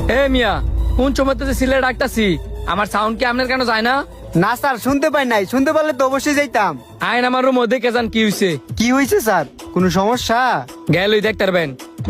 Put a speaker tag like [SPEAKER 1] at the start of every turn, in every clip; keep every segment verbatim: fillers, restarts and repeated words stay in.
[SPEAKER 1] এ মিয়া, কোন সময় তো সিলে ডাকতাছি, আমার সাউন্ড কি আপনার কেন যায় না?
[SPEAKER 2] না স্যার, শুনতে পাই নাই। শুনতে পারলে তো অবশ্যই যাইতাম।
[SPEAKER 1] আইন আমার রুম দেখে যান কি হইছে।
[SPEAKER 2] কি হয়েছে স্যার? কোনো সমস্যা?
[SPEAKER 1] গেলই দেখতে পারবেন।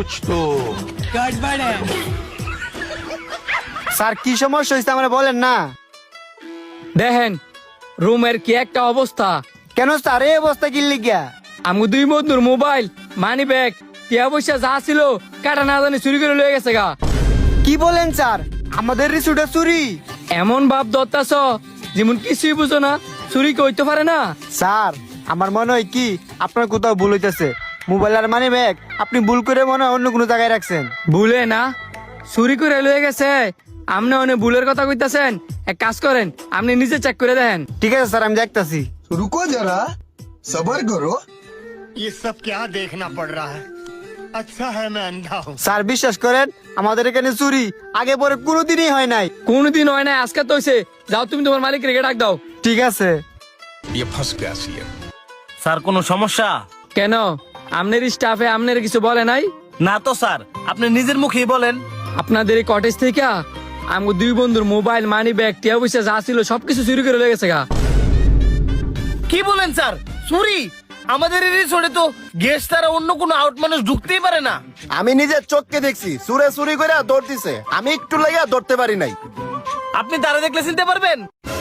[SPEAKER 2] স্যার কি সমস্যা হয়েছে আমরা বলেন না।
[SPEAKER 1] দেখেন রুমের কি একটা অবস্থা।
[SPEAKER 2] কেন স্যার এই অবস্থা কি লিগা?
[SPEAKER 1] আমি দুই বন্ধুর মোবাইল, মানি ব্যাগ, টিয়া পয়সা যা ছিল কাটা না জানি চুরি করে লয়ে গেছে গা।
[SPEAKER 2] কি বলেন স্যার? আমাদের রিসুটা চুরি?
[SPEAKER 1] এমন ভাব ধরতাছ যেমন কিছুই বুঝো না, চুরি কইতে পারে না।
[SPEAKER 2] স্যার আমার মনে হয় কি আপনার কোথাও ভুল হইতেছে। মোবাইল আর মানি ব্যাগ আপনি ভুল করে মনে হয় অন্য কোনো জায়গায় রাখছেন।
[SPEAKER 1] ভুলে না, চুরি করে লয়ে গেছে। আপনি অনেক ভুলের কথা কইতাছেন। এক কাজ করেন, আপনি নিজে চেক করে দেখেন।
[SPEAKER 2] ঠিক আছে স্যার, আমি দেখতাছি।
[SPEAKER 3] रुको जरा सबर करो।
[SPEAKER 4] ये सब क्या देखना पड़ रहा है। अच्छा है मैं अंधा हूँ।
[SPEAKER 2] স্যার বিশ্বাস করেন, আমাদের এখানে চুরি আগে পরে কোনোদিনই হয় নাই।
[SPEAKER 1] কোনদিন হয় না, আজকে তো হইছে। যাও তুমি তোমার মালিক রেখে ডাক দাও।
[SPEAKER 2] ঠিক আছে।
[SPEAKER 3] ये फंस गया सीएम।
[SPEAKER 5] স্যার কোনো সমস্যা?
[SPEAKER 1] কেন, আপনার স্টাফে আপনার কিছু বলে নাই?
[SPEAKER 5] না তো স্যার, আপনি নিজের মুখেই বলেন।
[SPEAKER 1] আপনাদের এই কটেজ থেকে আমার দুই বন্ধুর মোবাইল, মানি ব্যাগ, টিয়া পয়সা যা ছিল সবকিছু চুরি করে লয়ে গেছে গা।
[SPEAKER 5] কি বলেন স্যার? চুরি? আমাদের এই রিসোর্টে তো গেস্ট ছাড়া অন্য কোনো আউট মানুষ ঢুকতেই পারে না।
[SPEAKER 6] আমি নিজের চোখকে দেখছি সুরে চুরি করে দৌড় দিছে, আমি একটু লাগিয়া ধরতে পারি নাই।
[SPEAKER 5] আপনি তারা দেখলে চিনতে পারবেন?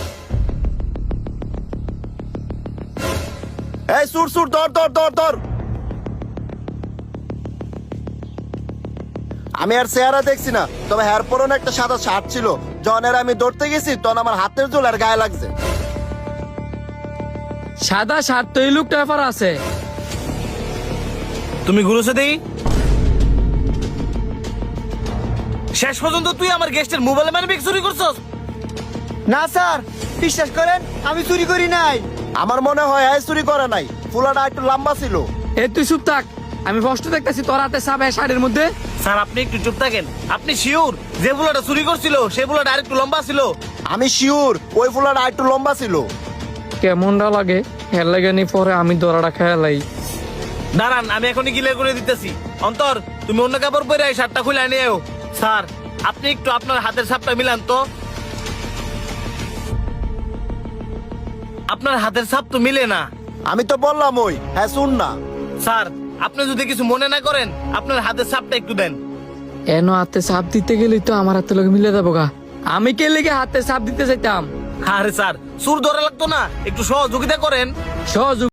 [SPEAKER 6] এই সুর সুর ধর ধর ধর ধর। আমি আর চেহারা দেখছি না, তবে হেয়ার পরনে একটা সাদা শার্ট ছিল। যখন এর আমি দৌড়তে গেছি তখন আমার হাতের জোল আর গায়ে লাগছে।
[SPEAKER 1] সাদা শার্ট তো এই লোকটা ব্যাপার আছে।
[SPEAKER 5] তুমি ঘুরেছে দেই। শেষ পর্যন্ত তুই আমার গেস্টের মোবাইল মানে ব্যাগ চুরি করছস?
[SPEAKER 2] না স্যার, বিশ্বাস করেন আমি চুরি করি নাই।
[SPEAKER 6] আমার মনে হয় এই চুরি করে নাই, ফুলাটা একটু লম্বা ছিল।
[SPEAKER 1] এ তুই চুপ থাক, আমি কষ্ট দেখতেছি তোর হাতে সাবে শাড়ির মধ্যে।
[SPEAKER 5] স্যার আপনি একটু চুপ থাকেন। আপনি শিওর যে বুলাটা চুরি করছিল সে বুলাটা আরেকটু লম্বা ছিল?
[SPEAKER 6] আমি শিওর ওই ফুলাটা একটু লম্বা ছিল।
[SPEAKER 1] কেমনটা লাগে হের লাগে নি, পরে আমি দরাটা খেয়ালাই।
[SPEAKER 5] দাঁড়ান, আমি এখনই গিলে করে দিতেছি। অন্তর, তুমি অন্য কাপড় পরে এই শার্টটা খুলে নিয়েও। স্যার আপনি একটু আপনার হাতের ছাপটা মিলান তো। আপনার হাতের ছাপ তো মিলে না।
[SPEAKER 6] আমি তো বললাম ওই, হ্যাঁ শুন না।
[SPEAKER 5] স্যার আপনি যদি কিছু মনে না করেন আপনার হাতের ছাপটা একটু দেন।
[SPEAKER 1] এনো হাতে সাপ দিতে গেলেই তো আমার হাতে লোক মিলে যাবো গা। আমি কে লেগে হাতে সাপ দিতে চাইতাম?
[SPEAKER 5] আরে স্যার, সুর ধরা লাগতো না, একটু সহযোগিতা করেন।
[SPEAKER 1] সহযোগ